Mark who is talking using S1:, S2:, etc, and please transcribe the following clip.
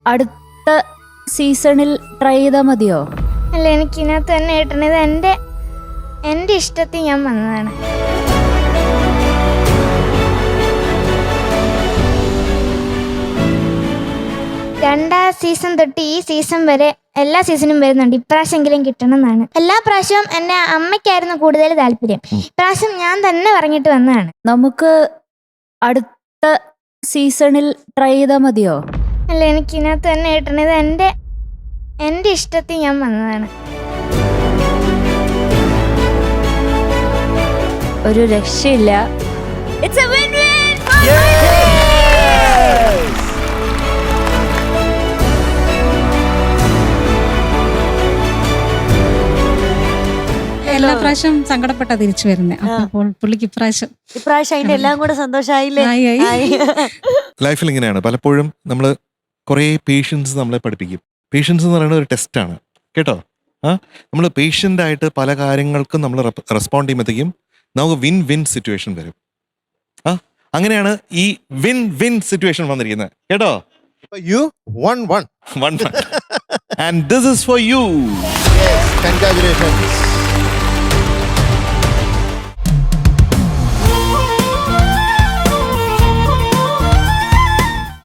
S1: അടുത്ത സീസണിൽ ട്രൈ ചെയ്താൽ മതിയോ?
S2: അല്ല, എനിക്ക് ഇതിനകത്ത് തന്നെ കിട്ടണത് എൻ്റെ ഇഷ്ടത്തിൽ ഞാൻ വന്നതാണ്. രണ്ടാം സീസൺ തൊട്ട് ഈ സീസൺ വരെ എല്ലാ സീസണും വരുന്നുണ്ട്. ഇപ്രാവശ്യമെങ്കിലും കിട്ടണം എന്നാണ്. എല്ലാ പ്രാവശ്യവും എൻ്റെ അമ്മയ്ക്കായിരുന്നു കൂടുതൽ താല്പര്യം. ഇപ്രാവശ്യം ഞാൻ തന്നെ പറഞ്ഞിട്ട് വന്നതാണ്.
S1: നമുക്ക് അടുത്ത സീസണിൽ ട്രൈ ചെയ്താൽ മതിയോ?
S2: അല്ല, എനിക്ക് ഇതിനകത്ത് തന്നെ കിട്ടണത് എൻ്റെ ഇഷ്ടത്തിൽ ഞാൻ വന്നതാണ്.
S1: ഒരു രക്ഷയില്ല. It's a win-win for
S3: എല്ലാ പ്രാവശ്യം സങ്കടപ്പെട്ട തിരിച്ചു വരുന്നേ. അപ്പോൾ പുള്ളിക്ക് ഇപ്രാവശ്യം
S4: അതിന്റെ എല്ലാം കൂടെ സന്തോഷമായില്ലേ?
S5: ലൈഫിൽ ഇങ്ങനെയാണ്, പലപ്പോഴും നമ്മൾ കുറേ പേഷ്യൻസ് നമ്മളെ പഠിപ്പിക്കും. പേഷ്യൻസ് എന്ന് പറയുന്നത് ഒരു ടെസ്റ്റാണ് കേട്ടോ. നമ്മൾ പേഷ്യൻ്റ് ആയിട്ട് പല കാര്യങ്ങൾക്കും നമ്മൾ റെസ്പോണ്ട് ചെയ്യുമ്പോഴത്തേക്കും നമുക്ക് വിൻ വിൻ സിറ്റുവേഷൻ വരും. അങ്ങനെയാണ് ഈ വിൻ വിൻ സിറ്റുവേഷൻ വന്നിരിക്കുന്നത് കേട്ടോ.
S6: You won one.
S5: And this is for you.
S6: Yes, congratulations.